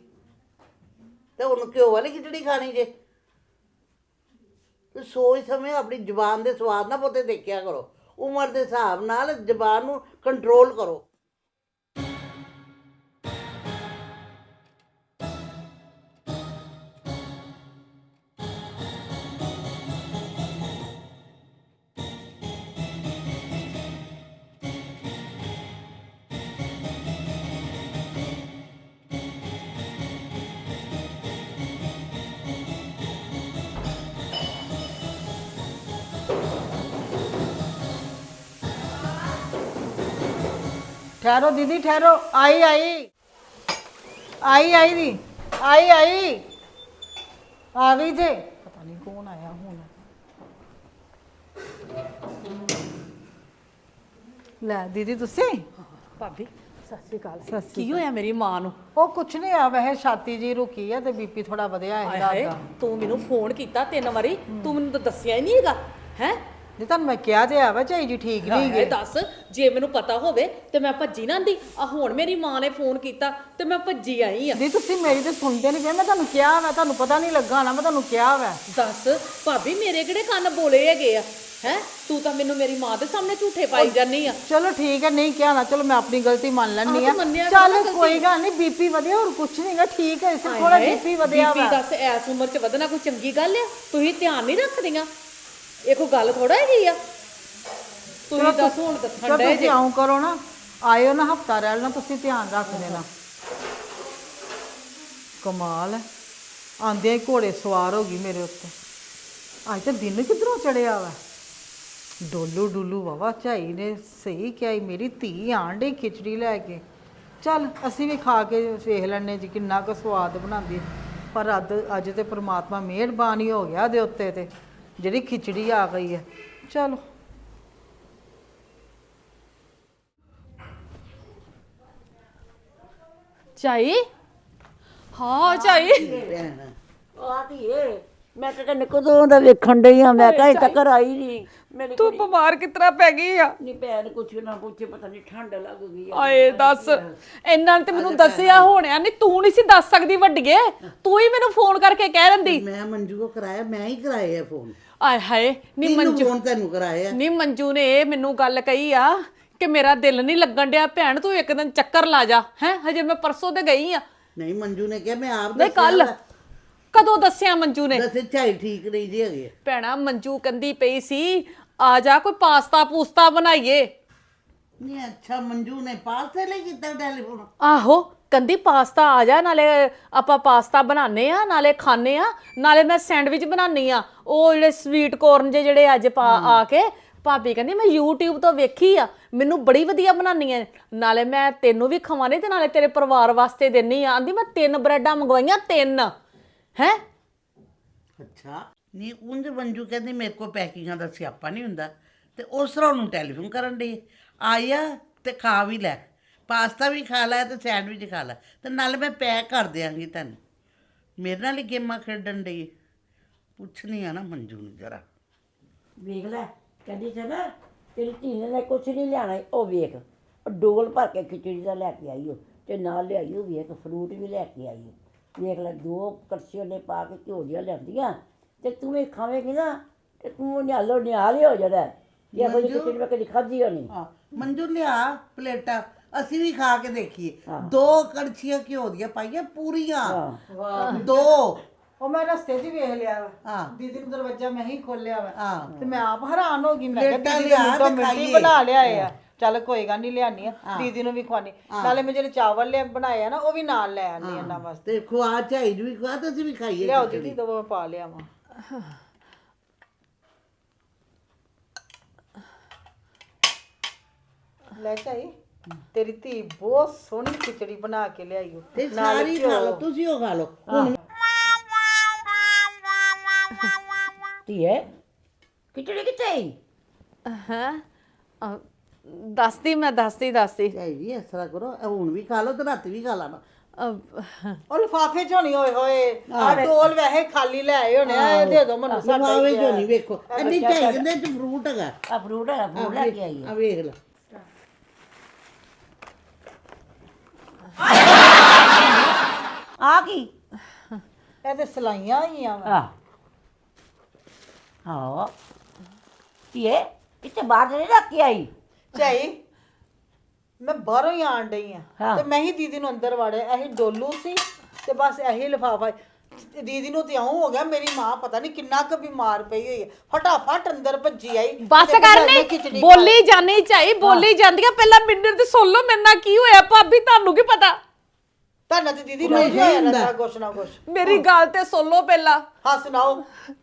S2: ਤੇ ਹੁਣ ਘਿਓ ਵਾਲੀ ਖਿਚੜੀ ਖਾਣੀ ਜੇ? ਤੇ ਸੋਚ ਸਮੇਂ ਆਪਣੀ ਜ਼ੁਬਾਨ ਦੇ ਸਵਾਦ ਨਾ ਬਹੁਤੇ ਦੇਖਿਆ ਕਰੋ, ਉਮਰ ਦੇ ਹਿਸਾਬ ਨਾਲ ਜ਼ੁਬਾਨ ਨੂੰ ਕੰਟਰੋਲ ਕਰੋ।
S3: ठहरो दीदी ठहरो, आई आई आई आई दी आई आई आ गई जे। पता नहीं कौन आया हूं। ਲੈ ਦੀਦੀ ਤੁਸੀਂ
S4: ਭਾਬੀ
S3: ਸਤਿ ਸ਼੍ਰੀ ਅਕਾਲ। ਸਤਿ ਸ਼੍ਰੀ
S4: ਕੀ ਹੋਇਆ ਮੇਰੀ ਮਾਂ ਨੂੰ?
S3: ਉਹ ਕੁਛ ਨਹੀਂ ਆ, ਵੈਸੇ ਛਾਤੀ ਜੀ ਰੁਕੀ ਆ ਤੇ ਬੀਪੀ ਥੋੜਾ ਵਧਿਆ ਹੈ
S4: ਹਾਏ
S3: ਰਾਤ
S4: ਹਾਏ,
S3: ਦਾ।
S4: ਤੂੰ ਮੈਨੂੰ ਫੋਨ ਕੀਤਾ ਤਿੰਨ ਵਾਰੀ, ਤੂੰ ਮੈਨੂੰ ਤਾਂ ਦੱਸਿਆ ਹੀ ਨਹੀਂ ਹੈਗਾ ਹੈ।
S3: ਜੇ ਤੁਹਾਨੂੰ ਮੈਂ ਕਿਹਾ ਤੇ ਆ ਵਾ ਝਾਈ ਜੀ ਠੀਕ ਨਹੀਂ
S4: ਇਹ
S3: ਗਏ।
S4: ਦੱਸ, ਜੇ ਮੈਨੂੰ ਪਤਾ ਹੋਵੇ ਤੇ ਮੈਂ ਭੱਜੀ ਨਾ ਆਂਦੀ। ਆ ਹੁਣ ਮੇਰੀ ਮਾਂ ਨੇ ਫੋਨ ਕੀਤਾ ਤੇ ਮੈਂ ਭੱਜੀ ਆਈ ਆ।
S3: ਦੀ ਤੁਸੀਂ ਮੇਰੀ ਤੇ ਸੁਣਦੇ ਨਹੀਂ ਪਏ, ਮੈਂ ਤੁਹਾਨੂੰ ਕਿਹਾ ਵਾ, ਤੁਹਾਨੂੰ ਪਤਾ ਨਹੀਂ ਲੱਗਾ ਨਾ, ਮੈਂ ਤੁਹਾਨੂੰ ਕਿਹਾ ਵਾ।
S4: ਦੱਸ ਭਾਬੀ, ਮੇਰੇ ਕਿਹੜੇ ਕੰਨ ਬੋਲੇ ਹੈਗੇ ਆ ਹੈ? ਤੂੰ ਤਾਂ ਮੈਨੂੰ ਮੇਰੀ ਮਾਂ ਦੇ ਸਾਹਮਣੇ ਝੂਠੇ ਪਾਈ ਜਾਂਦੀ ਆ।
S3: ਚਲੋ ਠੀਕ ਹੈ, ਨਹੀਂ ਕਿਹਾ ਨਾ, ਚਲੋ ਮੈਂ ਆਪਣੀ ਗਲਤੀ ਮੰਨ ਲੈਣੀ
S4: ਆਹ
S3: ਆ।
S4: ਤਾਂ ਮੰਨਿਆ
S3: ਚੱਲ
S4: ਕਰੋ ਗਲਤੀ।
S3: ਕੋਈ ਗੱਲ ਨਹੀਂ, ਬੀਪੀ ਵਧਿਆ ਹੋਰ ਕੁਛ ਨਹੀਂਗਾ, ਠੀਕ ਹੈ, ਸਿਰਫ ਥੋੜਾ ਬੀਪੀ ਵਧਿਆ
S4: ਬੀਪੀ
S3: ਵਾ।
S4: ਦੱਸ ਐਸ ਉਮਰ 'ਚ ਵਧਣਾ ਕੋਈ ਚੰਗੀ ਗੱਲ ਆ? ਤੁਸੀਂ ਧਿਆਨ ਨਹੀਂ ਰੱਖਦੀਆਂ? ਇਹ ਕੋਈ ਗੱਲ ਥੋੜਾ ਹੈਗੀ ਆ। ਤੁਸੀਂ ਦੱਸ ਹੁਣ ਦੱਸਣ
S3: ਚਲੋ
S4: ਡਏ
S3: ਤੁਸੀਂ
S4: ਜੇ।
S3: ਆਉਂ ਕਰੋ ਨਾ, ਆਇਓ ਨਾ ਹਫਤਾ ਰਹਿ ਲੈਣਾ, ਤੁਸੀਂ ਧਿਆਨ ਰੱਖ ਦੇਣਾ। ਕਮਾਲ ਹੈ, ਆਂਦੇ ਹੀ ਘੋੜੇ ਸਵਾਰ ਹੋ ਗਈ ਮੇਰੇ ਉੱਤੇ। ਅੱਜ ਤਾਂ ਦਿਨ ਕਿੱਧਰੋਂ ਚੜਿਆ ਵਾ। ਡੋਲੂ ਡੁੱਲੂ ਵਾਵਾ ਝਾਈ ਨੇ ਸਹੀ ਕਿਹਾ ਈ, ਮੇਰੀ ਧੀ ਆਣ ਡਈ ਖਿਚੜੀ ਲੈ ਕੇ। ਚੱਲ ਅਸੀਂ ਵੀ ਖਾ ਕੇ ਵੇਖ ਲੈਣੇ ਜੀ ਕਿੰਨਾ ਕੁ ਸਵਾਦ ਬਣਾਉਂਦੀ ਹੈ। ਪਰ ਅੱਜ ਅੱਜ ਤੇ ਪ੍ਰਮਾਤਮਾ ਮਿਹਰਬਾਨ ਹੀ ਹੋ ਗਿਆ ਦੇ ਉੱਤੇ, ਤੇ ਜਿਹੜੀ ਖਿਚੜੀ ਆ ਗਈ ਹੈ। ਚਲੋ
S4: ਚਾਈ ਹਾਂ ਚਾਈ
S2: ਭੈਣ
S1: ਆ ਧੀਏ ਮੈਂ ਤਾਂ ਤੈਨੂੰ ਕਦੋਂ ਦਾ ਵੇਖਣ ਡਈ ਆ ਮੈਂ ਕਿਹਾ ਤੱਕ ਆਈ ਨਹੀਂ ਮੇਰੀ
S4: ਤੂੰ ਬਿਮਾਰ ਕਿਤਰਾ ਪੈ ਗਈ ਆ
S1: ਨਹੀਂ ਭੈਣ ਕੁਛ ਨਾ ਪੁੱਛੇ ਪਤਾ ਨਹੀਂ ਠੰਡ ਲੱਗ ਗਈ ਆ
S4: ਆਏ ਦੱਸ ਇਹਨਾਂ ਨੇ ਤੇ ਮੈਨੂੰ ਦੱਸਿਆ ਹੋਣਿਆ ਨਹੀਂ ਤੂੰ ਨਹੀਂ ਸੀ ਦੱਸ ਸਕਦੀ ਵੱਡੀਏ ਤੂੰ ਹੀ ਮੈਨੂੰ ਫੋਨ ਕਰਕੇ ਕਹਿ ਦਿੰਦੀ
S2: ਮੈਂ ਮੰਜੂ ਕੋ ਕਰਾਇਆ ਮੈਂ ਹੀ ਕਰਾਏ ਆ ਫੋਨ
S4: ਆਏ ਹਾਏ ਨੀ
S2: ਕਿਹਨੂੰ
S4: ਮੰਜੂ
S2: ਫੋਨ ਤੈਨੂੰ ਕਰਾਇਆ
S4: ਨੀ ਮੰਜੂ ਨੇ ਇਹ ਮੈਨੂੰ ਗੱਲ ਕਹੀ ਆ ਕਿ ਮੇਰਾ ਦਿਲ ਨਹੀਂ ਲੱਗਣ ਡਿਆ ਭੈਣ ਤੂੰ ਇੱਕ ਦਿਨ ਚੱਕਰ ਲਾ ਜਾ ਹੈ ਹਜੇ ਮੈਂ ਪਰਸੋਂ ਤੇ ਗਈ ਆ
S2: ਨਹੀਂ ਮੰਜੂ ਨੇ ਕਿਹਾ ਮੈਂ ਆਪ
S4: ਨਹੀਂ ਕੱਲ ਕਦੋਂ ਦੱਸਿਆ ਮੰਜੂ ਨੇ
S2: ਦੱਸੇ ਝਾਈ ਠੀਕ ਨਹੀਂ ਜੀ ਹੈਗੇ
S4: ਭੈਣਾ ਮੰਜੂ ਕੰਦੀ ਪਈ ਸੀ ਆ ਜਾ ਕੋਈ ਪਾਸਤਾ ਪੂਸਤਾ ਬਣਾਈਏ
S2: ਨਹੀਂ ਅੱਛਾ ਮੰਜੂ ਨੇ ਪਾਸੇ ਲਈ ਕੀਤਾ ਟੈਲੀਫੋਨ
S4: ਆਹੋ ਕੰਦੀ ਪਾਸਤਾ ਆ ਜਾ ਨਾਲੇ ਆਪਾਂ ਪਾਸਤਾ ਬਣਾਉਂਦੇ ਆ ਨਾਲੇ ਖਾਣੇ ਆ ਨਾਲੇ ਮੈਂ ਸੈਂਡਵਿਚ ਬਣਾਉਣੀ ਆ ਉਹ ਜਿਹੜੇ ਸਵੀਟ ਕੋਰਨ ਜੇ ਜਿਹੜੇ ਅੱਜ ਪਾ ਆ ਕੇ ਭਾਬੀ ਕਹਿੰਦੀ ਮੈਂ YouTube ਤੋਂ ਵੇਖੀ ਆ ਮੈਨੂੰ ਬੜੀ ਵਧੀਆ ਬਣਾਉਣੀ ਆ ਨਾਲੇ ਮੈਂ ਤੈਨੂੰ ਵੀ ਖਵਾਣੇ ਤੇ ਨਾਲੇ ਤੇਰੇ ਪਰਿਵਾਰ ਵਾਸਤੇ ਦੇਣੀ ਆ ਆਂਦੀ ਮੈਂ ਤਿੰਨ ਬ੍ਰੈਡਾਂ ਮੰਗਵਾਈਆਂ ਤਿੰਨ ਹੈ
S2: ਅੱਛਾ ਨਹੀਂ ਉਂਝ ਮੰਜੂ ਕਹਿੰਦੀ ਮੇਰੇ ਕੋਲ ਪੈਕਿੰਗਾਂ ਦਾ ਸਿਆਪਾ ਨਹੀਂ ਹੁੰਦਾ ਤੇ ਉਸ ਤਰ੍ਹਾਂ ਉਹਨੂੰ ਟੈਲੀਫੋਨ ਕਰਨ ਦੀ ਆਇਆ ਤੇ ਖਾ ਵੀ ਲੈ ਪਾਸਤਾ ਵੀ ਖਾ ਲੈ ਤੇ ਸੈਂਡਵਿਚ ਖਾ ਲੈ ਤੇ ਨਾਲ ਮੈਂ ਪੈਕ ਕਰ ਦਿਆਂਗੀ ਤੈਨੂੰ ਮੇਰੇ ਨਾਲ ਹੀ ਗੇਮਾਂ ਖੇਡਣ ਦੀ ਪੁੱਛਣੀ ਆ ਨਾ ਮੰਜੂ ਨੂੰ ਜਰਾ
S1: ਵੇਖ ਲੈ ਕਹਿੰਦੀ ਸੀ ਨਾ ਤੇਰੀ ਧੀ ਨੇ ਕੁਛ ਨਹੀਂ ਲਿਆਣਾ ਉਹ ਵੇਖ ਉਹ ਡੋਲ ਭਰ ਕੇ ਖਿਚੜੀ ਦਾ ਲੈ ਕੇ ਆਈ ਉਹ ਤੇ ਨਾਲ ਲਿਆਈ ਉਹ ਵੇਖ ਫਰੂਟ ਵੀ ਲੈ ਕੇ ਆਈ ਉਹ ਵੇਖ ਲੈ ਦੋ ਕੜਛੀਆਂ ਨੇ ਪਾ ਕੇ ਘਿਓ ਦੀਆਂ ਲਿਆਂਦੀਆਂ ਤੇ ਤੂੰ ਇਹ ਖਾਵੇਂਗੀ ਨਾ ਤੇ ਤੂੰ ਨਿਹਾਲੋ ਨਿਹਾਲ ਹੀ ਹੋ ਜਾਣਾ ਜੇ ਕੋਈ ਖਿਚੜੀ ਮੈਂ ਕਦੀ ਖਾਧੀ ਹੋਣੀ
S2: ਹਾਂ ਮੰਜੂ ਲਿਆ ਪਲੇਟਾਂ ਅਸੀਂ ਵੀ ਖਾ ਕੇ ਦੇਖੀਏ ਦੋ ਕੜਛੀਆਂ ਘਿਓ ਦੀਆਂ ਪਾਈਆਂ ਪੂਰੀਆਂ ਦੋ
S3: ਉਹ ਮੈਂ ਰਸਤੇ 'ਚ ਹੀ ਵੇਖ ਲਿਆ ਵਾ
S2: ਹਾਂ
S3: ਦੀਦੀ ਨੂੰ ਦਰਵਾਜ਼ਾ ਮੈਂ ਹੀ ਖੋਲਿਆ ਵਾ
S2: ਹਾਂ
S3: ਤੇ ਮੈਂ ਆਪ ਹੈਰਾਨ ਹੋ ਗਈ ਮੈਂ ਕਿਹਾ
S2: ਪਲੇਟਾਂ
S3: ਦੀਦੀ
S2: ਲਿਆ
S3: ਨੇ ਤਾਂ
S2: ਤੇ
S3: ਮਿੱਟੀ
S2: ਖਾਈਏ।
S3: ਬਣਾ ਲਿਆਏ ਆ ਚੱਲ ਕੋਈ ਗੱਲ ਨਹੀਂ ਲਿਆਨੀ ਆ ਦੀਦੀ ਨੂੰ ਵੀ ਖਵਾਨੀ ਨਾਲੇ ਮੈਂ ਜਿਹੜੇ ਚਾਵਲ ਲਿਆ ਬਣਾਏ ਆ ਨਾ ਉਹ ਵੀ ਨਾਲ ਲੈ ਆਨੀ ਇਹਨਾਂ ਵਾਸਤੇ
S2: ਤੇ ਖਵਾ ਝਾਈ ਨੂੰ ਵੀ ਖਵਾ ਤੇ ਅਸੀਂ ਵੀ ਖਾਈਏ
S3: ਲਿਆਓ ਦੀਦੀ ਦੋ ਮੈਂ ਪਾ ਲਿਆ ਵਾ ਲੈ ਚਾਈ ਤੇਰੀ ਧੀ ਬਹੁਤ ਸੋਹਣੀ ਖਿਚੜੀ ਬਣਾ ਕੇ ਲਿਆਈ ਓ
S2: ਤੇ ਸਾਰੀ ਖਾ ਲਓ ਤੁਸੀਂ ਉਹ ਖਾ ਲਓ ਹੁਣ
S1: ਧੀਏ ਖਿਚੜੀ ਕਿੱਥੇ ਆਈ
S4: ਹੈ ਦੱਸਦੀ ਮੈਂ ਦੱਸਦੀ ਦੱਸਦੀ
S2: ਝਾਈ ਜੀ ਇਸ ਤਰ੍ਹਾਂ ਕਰੋ ਇਹ ਹੁਣ ਵੀ ਖਾ ਲਓ ਤੇ ਰਾਤੀ ਵੀ ਖਾ ਲੈਣਾ
S4: ਅਹ,
S3: ਉਹ ਲਿਫਾਫੇ ਚੋਂ ਨਹੀਂ ਹੋਏ ਹੋਏ ਆ ਡੋਲ ਵੈਸੇ ਖਾਲੀ ਲੈ ਆਏ ਹੋਣੇ ਆ ਇਹ ਦੇ ਦੋ ਮੈਨੂੰ ਸਾਡਾ
S2: ਸਮਾਵੇ ਜੋ ਨਹੀਂ ਵੇਖੋ ਇੰਨੀ ਝਾਈ ਕਹਿੰਦੇ ਤੇ ਫਰੂਟ ਹੈਗਾ
S1: ਆ ਫਰੂਟ ਹੈ ਫਰੂਟ ਲੈ ਕੇ ਆਈ
S2: ਆ ਵੇਖ ਲੈ
S1: ਆ ਕੀ
S3: ਇਹ ਤੇ ਸਲਾਈਆਂ ਹੀ ਆ
S1: ਆ ਹਾਂ ਧੀਏ ਕਿਤੇ ਬਾਹਰ ਨਹੀਂ ਰੱਖ ਕੇ ਆਈ
S3: ਝਾਈ ਮੈਂ ਬਾਹਰੋਂ ਹੀ ਆਣ ਡਈ ਆ
S1: ਹਾਂ।
S3: ਤੇ ਮੈਂ ਹੀ ਦੀਦੀ ਨੂੰ ਅੰਦਰ ਵਾੜਿਆ ਇਹੀ ਡੋਲੂ ਸੀ ਤੇ ਬਸ ਇਹੀ ਲਿਫਾਫਾ ਦੀਦੀ ਨੂੰ ਤੇ ਆਉਂ ਹੋ ਗਿਆ ਮੇਰੀ ਮਾਂ ਪਤਾ ਨਹੀਂ ਕਿੰਨਾ ਕੁ ਬਿਮਾਰ ਪਈ ਹੋਈ ਹੈ ਫਟਾਫਟ ਅੰਦਰ ਭੱਜੀ ਆਈ
S4: ਬਸ
S3: ਤੇ
S4: ਕਰਨੀ
S3: ਖਿਚੜੀ
S4: ਬੋਲੀ ਜਾਨੀ ਚਾਹੀ ਬੋਲੀ ਜਾਂਦੀਆਂ ਪਹਿਲਾਂ ਮਿੰਟ ਤੇ ਸੁਣ ਲਓ ਮੇਰੇ ਨਾਲ ਕੀ ਹੋਇਆ ਭਾਬੀ ਤੁਹਾਨੂੰ ਕੀ ਪਤਾ
S3: ਤੁਹਾਨੂੰ ਤੇ ਦੀਦੀ ਰੋਜ਼ ਹੋਇਆ ਰਹਿੰਦਾ ਕੁਛ ਨਾ ਕੁਛ
S4: ਮੇਰੀ ਗੱਲ ਤੇ ਸੁਣ ਲਓ ਪਹਿਲਾਂ
S3: ਹਾਂ ਸੁਣਾਓ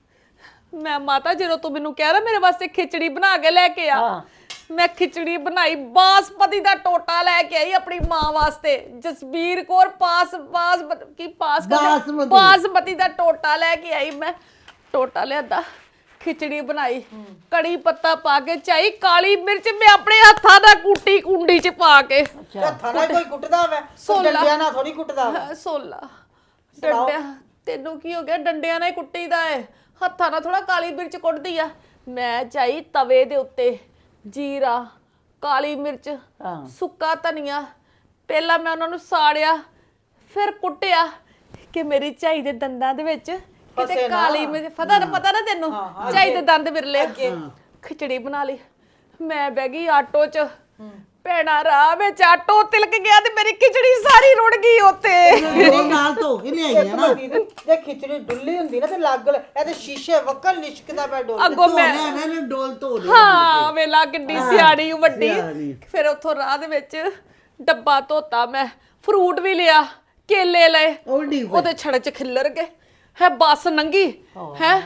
S4: ਮੈਂ ਮਾਤਾ ਜਦੋਂ ਤੂੰ ਮੈਨੂੰ ਕਹਿ ਰਿਹਾ ਮੇਰੇ ਵਾਸਤੇ ਖਿਚੜੀ ਬਣਾ ਕੇ ਲੈ ਕੇ ਆ
S1: ਹਾਂ।
S4: ਮੈਂ ਖਿਚੜੀ ਬਣਾਈ ਬਾਸਪਤੀ ਦਾ ਟੋਟਾ ਲੈ ਕੇ ਆਈ ਆਪਣੀ ਮਾਂ ਵਾਸਤੇ ਜਸਬੀਰ ਕੌਰ ਪਾਸ ਪਾਸ ਕੀ ਪਾਸ ਕਰਦੇ-
S2: ਬਾਸਮਤੀ।
S4: ਬਾਸਮਤੀ ਦਾ ਟੋਟਾ ਲੈ ਕੇ ਆਈ ਮੈਂ ਟੋਟਾ ਲਿਆਦਾ ਖਿਚੜੀ ਬਣਾਈ ਕੜੀ ਪੱਤਾ ਪਾ ਕੇ ਚਾਈ ਕਾਲੀ ਮਿਰਚ ਮੈਂ ਆਪਣੇ ਹੱਥਾਂ ਦਾ ਕੁੱਟੀ ਕੁੰਡੀ ਚ ਪਾ ਕੇ
S3: ਹੱਥਾਂ ਨਾਲ ਕੋਈ ਕੁੱਟਦਾ ਵੈ
S4: ਸੋਲਾ।
S3: ਡੰਡਿਆਂ ਨਾਲ ਥੋੜੀ ਕੁੱਟਦਾ ਵਾ
S4: ਸੋਲਾ ਡੰਡਿਆ ਤੈਨੂੰ ਕੀ ਹੋ ਗਿਆ ਡੰਡਿਆਂ ਨਾਲ ਹੀ ਕੁੱਟੀਦਾ ਏ ਹੱਥਾਂ ਨਾਲ ਥੋੜਾ ਕਾਲੀ ਮਿਰਚ ਕੁੱਟਦੀ ਆ ਮੈਂ ਚਾਈ ਤਵੇ ਦੇ ਉੱਤੇ ਜੀਰਾ ਕਾਲੀ ਮਿਰਚ
S1: ਹਾਂ।
S4: ਸੁੱਕਾ ਧਨੀਆ ਪਹਿਲਾਂ ਮੈਂ ਉਹਨਾਂ ਨੂੰ ਸਾੜਿਆ ਫਿਰ ਕੁੱਟਿਆ ਕਿ ਮੇਰੀ ਝਾਈ ਦੇ ਦੰਦਾਂ ਦੇ ਵਿੱਚ ਕਿਤੇ
S3: ਫਸੇ ਨਾ।
S4: ਕਾਲੀ ਮਿਰਚ ਪਤਾ ਨਾ ਪਤਾ ਨਾ ਤੈਨੂੰ ਝਾਈ ਦੇ ਦੰਦ ਵਿਰਲੇ ਖਿਚੜੀ ਬਣਾ ਲਈ ਮੈਂ ਬਹਿ ਗਈ ਆਟੋ 'ਚ ਭੈਣਾ ਰਾਹ ਵਿੱਚ ਆਟੋ ਤਿਲਕ ਗਿਆ ਤੇ ਮੇਰੀ ਖਿਚੜੀ ਸਾਰੀ ਰੁੜ ਗਈ ਉੱਤੇ
S2: ਉਹ ਨਾਲ ਧੋ ਕੇ ਲਿਆਈਆਂ ਨਾ
S3: ਦੀਦੀ ਜੇ ਖਿਚੜੀ ਡੁੱਲੀ ਹੁੰਦੀ ਨਾ ਤੇ ਲੱਗ ਲੈ ਇਹ ਤੇ ਸ਼ੀਸ਼ੇ ਵੱਕਲ ਲਿਸ਼ਕਦਾ ਪਿਆ ਡੋਲ
S4: ਅੱਗੋਂ ਮੈਂ
S2: ਧੋ ਲਿਆ ਨਾ ਡੋਲ ਧੋ ਲਿਆ
S4: ਹਾਂ ਵੇਲਾ ਕਿੱਡੀ ਸਿਆਣੀ ਵੱਡੀ
S2: ਸਿਆਣੀ।
S4: ਫਿਰ ਉੱਥੋਂ ਰਾਹ ਦੇ ਵਿੱਚ ਡੱਬਾ ਧੋਤਾ ਮੈਂ ਫਰੂਟ ਵੀ ਲਿਆ ਕੇਲੇ ਲਏ
S2: ਉਹ ਡੀ
S4: ਉਹਦੇ ਛੜ ਚ ਖਿੱਲਰ ਗਏ ਹੈ ਬੱਸ ਨੰਗੀ ਹੈ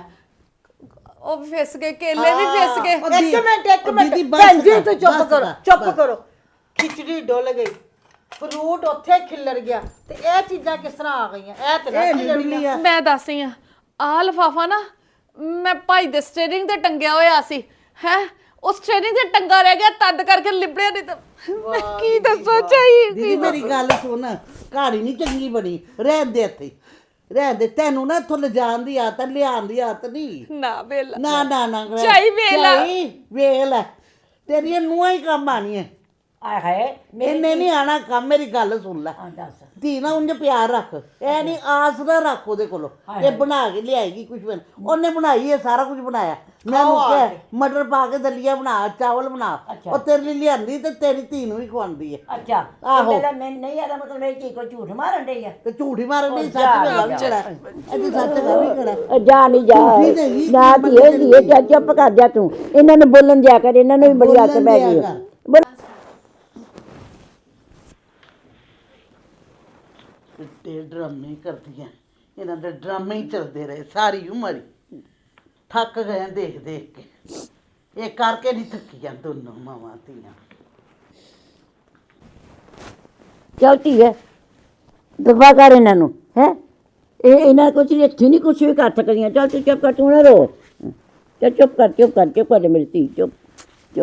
S4: ਉਹ ਵੀ ਫਿਸ ਗਏ ਕੇਲੇ ਵੀ ਫਿਸ ਗਏ
S3: ਇੱਕ ਮਿੰਟ ਇੱਕ
S2: ਉਹ
S3: ਮਿੰਟ
S2: ਦੀਦੀ ਬਸ
S3: ਭੈਣ ਜੀ
S2: ਕਰ,
S3: ਤੂੰ ਚੁੱਪ
S2: ਬਸ
S3: ਕਰੋ
S2: ਕਰ,
S3: ਚੁੱਪ
S2: ਬਸ।
S3: ਕਰੋ ਖਿਚੜੀ ਡੁੱਲ ਗਈ ਫਰੂਟ ਉੱਥੇ ਖਿੱਲਰ ਗਿਆ ਤੇ ਇਹ ਚੀਜ਼ਾਂ ਕਿਸ ਤਰ੍ਹਾਂ ਆ ਗਈਆਂ ਇਹ ਤੇ ਨਾ
S2: ਇਹ
S3: ਖਿੱਲਰ
S2: ਡੁੱਲੀ ਆ
S4: ਮੈਂ ਦੱਸੀ ਆ ਆਹ ਲਿਫਾਫਾ ਨਾ ਮੈਂ ਭਾਈ ਦੇ ਸਟੀਅਰਿੰਗ ਤੇ ਟੰਗਿਆ ਹੋਇਆ ਸੀ ਹੈ ਉਸ ਟ੍ਰੇਨਿੰਗ ਤੇ ਟੰਗਾ ਰਹਿ ਗਿਆ ਤਦ ਕਰਕੇ ਲਿਬੜਿਆ ਨਹੀਂ ਤਾਂ ਮੈਂ ਕੀ ਦੱਸਾਂ ਚਾਹੀ
S2: ਦੀਦੀ ਮੇਰੀ ਗੱਲ ਸੁਣ, ਕਹਾਣੀ ਨਹੀਂ ਚੰਗੀ ਬਣੀ, ਰਹਿਣ ਦੇ ਇੱਥੇ ਰਹਿਣ ਦੇ। ਤੈਨੂੰ ਨਾ ਇੱਥੋਂ ਲਿਜਾਣ ਦੀ ਆਦਤ, ਲਿਆਉਣ ਦੀ ਆਦਤ ਨਹੀਂ।
S4: ਨਾ ਵੇਲਾ
S2: ਨਾ ਨਾ ਨਾ
S4: ਝਾਈ ਵੇਲਾ।
S2: ਝਾਈ ਵੇਲ ਤੇਰੀਆਂ ਨੂੰਹਾਂ ਹੀ ਕੰਮ ਆਣੀਆਂ,
S1: ਆਏ ਹਾਏ
S2: ਇਹਨੇ ਨਹੀਂ ਆਣਾ ਕੰਮ। ਮੇਰੀ ਗੱਲ ਸੁਣ ਲੈ,
S1: ਆ ਦੱਸ
S2: ਧੀ ਨਾ ਉਂਝ ਪਿਆਰ ਰੱਖ, ਇਹ ਨਹੀਂ ਆਸ ਨਾ ਰੱਖ ਉਹਦੇ ਕੋਲੋਂ ਇਹ ਬਣਾ ਕੇ ਲਿਆਏਗੀ ਕੁਝ। ਉਹਨੇ ਬਣਾਈ ਹੈ, ਸਾਰਾ ਕੁਝ ਬਣਾਇਆ। ਮੈਂ ਉਹਨੂੰ ਕਿਹਾ ਮਟਰ ਪਾ ਕੇ ਦਲੀਆ ਬਣਾ, ਚਾਵਲ ਬਣਾ, ਉਹ ਤੇਰੇ ਲਈ ਲਿਆਂਦੀ ਤੇ ਤੇਰੀ ਧੀ ਨੂੰ ਵੀ ਖਵਾਉਂਦੀ ਹੈ।
S1: ਅੱਛਾ
S2: ਆਹੋ।
S1: ਮੇਰਾ ਮੈਂ ਨਹੀਂ ਆਦਾ ਮਤਲਬ ਮੇਰੀ ਧੀ ਕੋ ਝੂਠ ਮਾਰਨ ਡਈ ਆ।
S2: ਤੇ ਝੂਠੀ ਮਾਰਨ ਦੀ ਸੱਚ ਵੇਲਾ ਵੀ ਖੜਾ, ਇਹ ਸੱਚ ਗਾ ਵੀ ਖੜਾ।
S1: ਜਾ ਨਹੀਂ ਜਾ
S2: ਝੂਠੀ ਤੇ ਹੈਗੀ,
S1: ਨਾ ਧੀਏ ਧੀਏ ਜਾ ਚੁੱਪ ਕਰ ਜਾ ਤੂੰ। ਇਹਨਾਂ ਨੂੰ ਬੋਲਣ ਦਿਆ ਕਰ, ਇਹਨਾਂ ਨੂੰ ਵੀ ਬੜੀ ਆਦਤ ਪੈ ਗਈ ਹੈ।
S2: ਤੇ ਡਰਾਮੇ ਕਰਦੀਆਂ, ਇਹਨਾਂ ਦੇ ਡਰਾਮੇ ਹੀ ਚੱਲਦੇ ਰਹੇ ਸਾਰੀ ਉਮਰ ਹੀ। ਥੱਕ ਗਏ ਦੇਖ ਦੇਖ ਕੇ, ਇਹ ਕਰਕੇ ਨਹੀਂ ਥੱਕੀਆਂ ਦੋਨੋਂ ਮਾਵਾਂ ਧੀਆਂ।
S1: ਚੱਲ ਧੀਏ ਦਫਾ ਕਰ ਇਹਨਾਂ ਨੂੰ ਹੈ। ਇਹ ਇਹਨਾਂ ਕੁਛ ਨਹੀਂ, ਇੱਥੇ ਨਹੀਂ ਕੁਛ ਵੀ ਕਰ ਸਕਦੀਆਂ। ਚੱਲ ਤੂੰ ਚੁੱਪ ਕਰ, ਤੂੰ ਨਾ ਰੋ। ਚੱਲ ਚੁੱਪ ਕਰ, ਚੁੱਪ ਕਰ, ਚੁੱਪ ਕਰ ਮੇਰੀ ਧੀ, ਚੁੱਪ ਚੁੱਪ।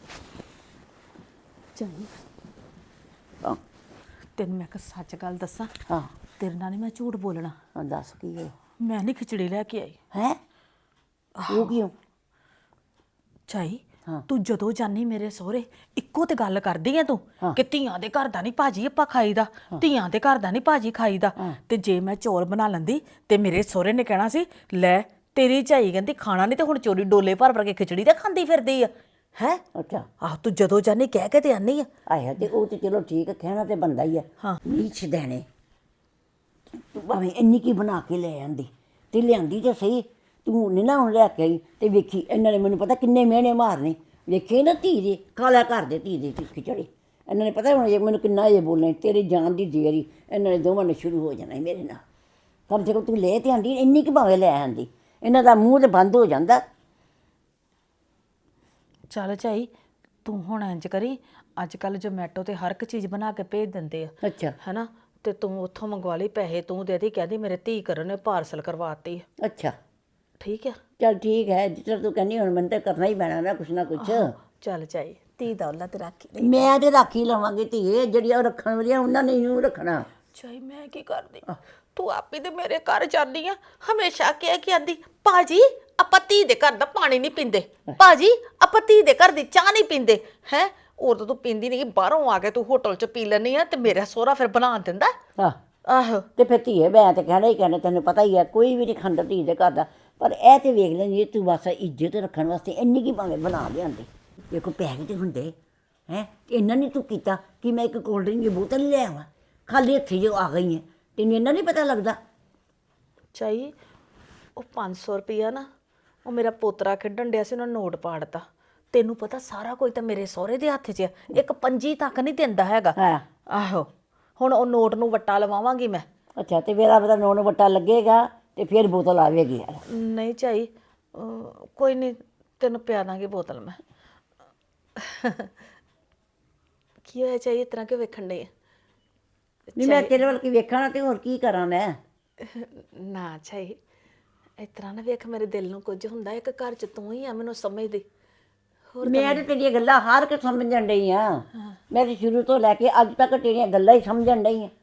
S4: ਚਾਹੀ
S1: ਹਾਂ
S4: ਤੈਨੂੰ ਮੈਂ ਇੱਕ ਸੱਚ ਗੱਲ ਦੱਸਾਂ,
S1: ਹਾਂ
S4: ਤੇਰੇ ਨਾਲ ਨਹੀਂ ਮੈਂ ਝੂਠ ਬੋਲਣਾ।
S1: ਹਾਂ, ਦੱਸ ਕੀ ਹੈ
S4: ਮੈਂ ਨਹੀਂ ਖਿਚੜੀ ਲੈ ਕੇ ਆਈ।
S1: ਹੈ ਉਹ ਕਿਉਂ?
S4: ਚਾਈ
S1: ਹਾਂ।
S4: ਤੂੰ ਜਦੋਂ ਜਾਨੀ ਮੇਰੇ ਸਹੁਰੇ ਇੱਕੋ ਤੇ ਗੱਲ ਕਰਦੀ ਐ ਤੂੰ
S1: ਹਾਂ।
S4: ਕਿ ਧੀਆਂ ਦੇ ਘਰ ਦਾ ਨਹੀਂ ਭਾਜੀ ਆਪਾਂ ਖਾਈਦਾ, ਧੀਆਂ ਦੇ ਘਰ ਦਾ ਨਹੀਂ ਭਾਜੀ ਖਾਈਦਾ। ਤੇ ਜੇ ਮੈਂ ਚੌਲ ਬਣਾ ਲੈਂਦੀ ਤੇ ਮੇਰੇ ਸਹੁਰੇ ਨੇ ਕਹਿਣਾ ਸੀ ਲੈ ਤੇਰੀ ਝਾਈ ਕਹਿੰਦੀ ਖਾਣਾ ਨਹੀਂ ਤੇ ਹੁਣ ਚੋਰੀ ਡੋਲੇ ਭਰ ਭਰ ਕੇ ਖਿਚੜੀ ਤਾਂ ਖਾਂਦੀ ਫਿਰਦੀ ਆ ਹੈ।
S1: ਅੱਛਾ
S4: ਆਹ ਤੂੰ ਜਦੋਂ ਜਾਨੀ ਕਹਿ ਕੇ ਤੇ ਆਨੀ ਆ।
S1: ਆਇਆ ਤੇ ਉਹ ਤੇ ਚਲੋ ਠੀਕ ਹੈ, ਕਹਿਣਾ ਤੇ ਬੰਦਾ ਹੀ ਹੈ।
S4: ਹਾਂ।
S1: ਨੀਚ ਦੇਣੇ ਤੂੰ ਭਾਵੇਂ ਇੰਨੀ ਕੀ ਬਣਾ ਕੇ ਲੈ ਆਂਦੀ ਤੇ ਲਿਆਂਦੀ ਤੇ ਸਹੀ। ਤੂੰ ਨਹੀਂ ਨਾ ਹੁਣ ਲੈ ਕੇ ਆਈ ਤੇ ਵੇਖੀ ਇਹਨਾਂ ਨੇ ਮੈਨੂੰ ਪਤਾ ਕਿੰਨੇ ਮਿਹਣੇ ਮਾਰਨੇ। ਵੇਖੇ ਨਾ ਧੀ ਦੇ ਕਾਲਾ ਘਰ ਦੇ ਧੀ ਦੇ ਖਿਚੜੀ। ਇਹਨਾਂ ਨੇ ਪਤਾ ਹੁਣ ਇਹ ਮੈਨੂੰ ਕਿੰਨਾ ਇਹ ਬੋਲਣਾ, ਤੇਰੀ ਜਾਨ ਦੀ ਦੇਰੀ ਇਹਨਾਂ ਨੇ ਦੋਵਾਂ ਨੇ ਸ਼ੁਰੂ ਹੋ ਜਾਣਾ ਮੇਰੇ ਨਾਲ। ਕਮ ਸੇ ਕਮ ਤੂੰ ਲੈ ਤੇ ਆਂਦੀ, ਇੰਨੀ ਕੁ ਭਾਵੇਂ ਲੈ ਆਂਦੀ, ਇਹਨਾਂ ਦਾ ਮੂੰਹ ਤੇ ਬੰਦ ਹੋ ਜਾਂਦਾ।
S4: ਚੱਲ ਝਾਈ ਤੂੰ ਹੁਣ ਇੰਜ ਕਰੀ, ਅੱਜ ਕੱਲ ਜੋਮੈਟੋ ਤੇ ਹਰ ਇੱਕ ਚੀਜ਼ ਬਣਾ ਕੇ ਭੇਜ ਦਿੰਦੇ ਆ
S1: ਅੱਛਾ
S4: ਹੈਨਾ, ਤੇ ਤੂੰ ਉੱਥੋਂ ਮੰਗਵਾ ਲਈ, ਪੈਸੇ ਤੂੰ ਦੇ ਦੀ, ਕਹਿੰਦੀ ਮੇਰੇ ਧੀ ਕਰਨ ਨੇ ਪਾਰਸਲ ਕਰਵਾਤੀ।
S1: ਅੱਛਾ
S4: ਠੀਕ ਆ
S1: ਚੱਲ ਠੀਕ ਹੈ, ਜਿਸ ਤਰ੍ਹਾਂ ਤੂੰ ਕਹਿੰਦੀ ਹੁਣ ਮੈਨੂੰ ਤਾਂ ਕਰਨਾ ਹੀ ਪੈਣਾ ਨਾ ਕੁਛ ਨਾ ਕੁਛ।
S4: ਚੱਲ ਝਾਈ ਧੀ ਦਾ ਔਲਾ ਤੇ ਰੱਖੀ।
S1: ਮੈਂ ਤੇ ਰੱਖ ਹੀ ਲਵਾਂਗੀ ਧੀਏ, ਜਿਹੜੀਆਂ ਉਹ ਰੱਖਣ ਵਾਲੀਆਂ ਉਹਨਾਂ ਨੇ ਇਹਨੂੰ ਰੱਖਣਾ।
S4: ਚਾਈ ਮੈਂ ਕੀ ਕਰਦੀ, ਤੂੰ ਆਪੇ ਤੇ ਮੇਰੇ ਘਰ ਜਾਂਦੀ ਆ, ਹਮੇਸ਼ਾ ਕਹਿ ਕੇ ਆਂਦੀ ਭਾਜੀ ਆਪਾਂ ਧੀ ਦੇ ਘਰ ਦਾ ਪਾਣੀ ਨਹੀਂ ਪੀਂਦੇ, ਭਾਜੀ ਆਪਾਂ ਧੀ ਦੇ ਘਰ ਦੀ ਚਾਹ ਨਹੀਂ ਪੀਂਦੇ ਹੈ। ਉਦੋਂ ਤੂੰ ਪੀਂਦੀ ਨਹੀਂ, ਬਾਹਰੋਂ ਆ ਕੇ ਤੂੰ ਹੋਟਲ 'ਚ ਪੀ ਲੈਂਦੀ ਆ ਤੇ ਮੇਰਾ ਸਹੁਰਾ ਫਿਰ ਬਣਾ ਦਿੰਦਾ।
S1: ਹਾਂ
S4: ਆਹੋ
S1: ਤੇ ਫਿਰ ਧੀਏ ਮੈਂ ਤੇ ਕਹਿਣਾ ਹੀ ਕਹਿਣਾ, ਤੈਨੂੰ ਪਤਾ ਹੀ ਹੈ ਕੋਈ ਵੀ ਨਹੀਂ ਖਾਂਦਾ ਧੀ ਦੇ ਘਰ ਦਾ। ਪਰ ਇਹ ਤੇ ਵੇਖ ਲੈਂਦੀ ਤੂੰ ਬਸ ਇੱਜ਼ਤ ਰੱਖਣ ਵਾਸਤੇ ਇੰਨੀ ਕੀ ਭਾਵੇਂ ਬਣਾ ਲਿਆਂਦੀ। ਦੇਖੋ ਪੈਸੇ ਤੇ ਹੁੰਦੇ ਹੈ, ਇੰਨਾ ਨਹੀਂ ਤੂੰ ਕੀਤਾ ਕਿ ਮੈਂ ਇੱਕ ਕੋਲਡ ਡਰਿੰਕ ਦੀ ਬੋਤਲ ਹੀ ਲੈ ਆਵਾਂ, ਖਾਲੀ ਹੱਥੀਂ ਜੋ ਆ ਗਈ ਹੈ। ਤੈਨੂੰ ਇੰਨਾ ਨਹੀਂ ਪਤਾ ਲੱਗਦਾ।
S4: ਚਾਈ ਉਹ ਪੰਜ ਸੌ ਰੁਪਈਆ ਨਾ ਉਹ ਮੇਰਾ ਪੋਤਰਾ ਖੇਡਣ ਡਿਆ ਸੀ, ਉਹਨਾਂ ਨੋਟ ਪਾੜਤਾ। ਤੈਨੂੰ ਪਤਾ ਸਾਰਾ ਕੁਝ ਤਾਂ ਮੇਰੇ ਸਹੁਰੇ ਦੇ ਹੱਥ 'ਚ ਆ, ਇੱਕ ਪੰਜੀ ਤੱਕ ਨਹੀਂ ਦਿੰਦਾ ਹੈਗਾ।
S1: ਹਾਂ
S4: ਆਹੋ ਹੁਣ ਉਹ ਨੋਟ ਨੂੰ ਵੱਟਾ ਲਵਾਵਾਂਗੀ ਮੈਂ।
S1: ਅੱਛਾ ਤੇ ਮੇਰਾ ਪਤਾ ਨੋਨ ਵੱਟਾ ਲੱਗੇਗਾ ਤੇ ਫਿਰ ਬੋਤਲ ਆਵੇਗੀ ਯਾਰ।
S4: ਨਹੀਂ ਚਾਈ ਅਹ ਕੋਈ ਨਹੀਂ ਤੈਨੂੰ ਪਿਆ ਦਾਂਗੀ ਬੋਤਲ ਮੈਂ। ਕੀ ਹੋਇਆ ਚਾਈ, ਇਸ ਤਰ੍ਹਾਂ ਕਿਉਂ ਵੇਖਣ ਡਈ ਆ?
S1: ਨਹੀਂ ਮੈਂ ਤੇਰੇ ਵੱਲ ਕੀ ਵੇਖਣਾ ਤੇ ਹੋਰ ਕੀ ਕਰਾਂ ਮੈਂ।
S4: ਨਾ ਚਾਈ ਇਸ ਤਰ੍ਹਾਂ ਨਾ ਵੇਖ, ਮੇਰੇ ਦਿਲ ਨੂੰ ਕੁਝ ਹੁੰਦਾ, ਇੱਕ ਘਰ 'ਚ ਤੂੰ ਹੀ ਆ ਮੈਨੂੰ ਸਮਝਦੀ।
S1: ਮੈਂ ਤੇ ਤੇਰੀਆਂ ਗੱਲਾਂ ਹਰ ਇੱਕ ਸਮਝਣ ਡਈ ਆ। ਮੈਂ ਤੇ ਸ਼ੁਰੂ ਤੋਂ ਲੈ ਕੇ ਅੱਜ ਤੱਕ ਤੇਰੀਆਂ ਗੱਲਾਂ ਹੀ ਸਮਝਣ ਡਈ ਆ।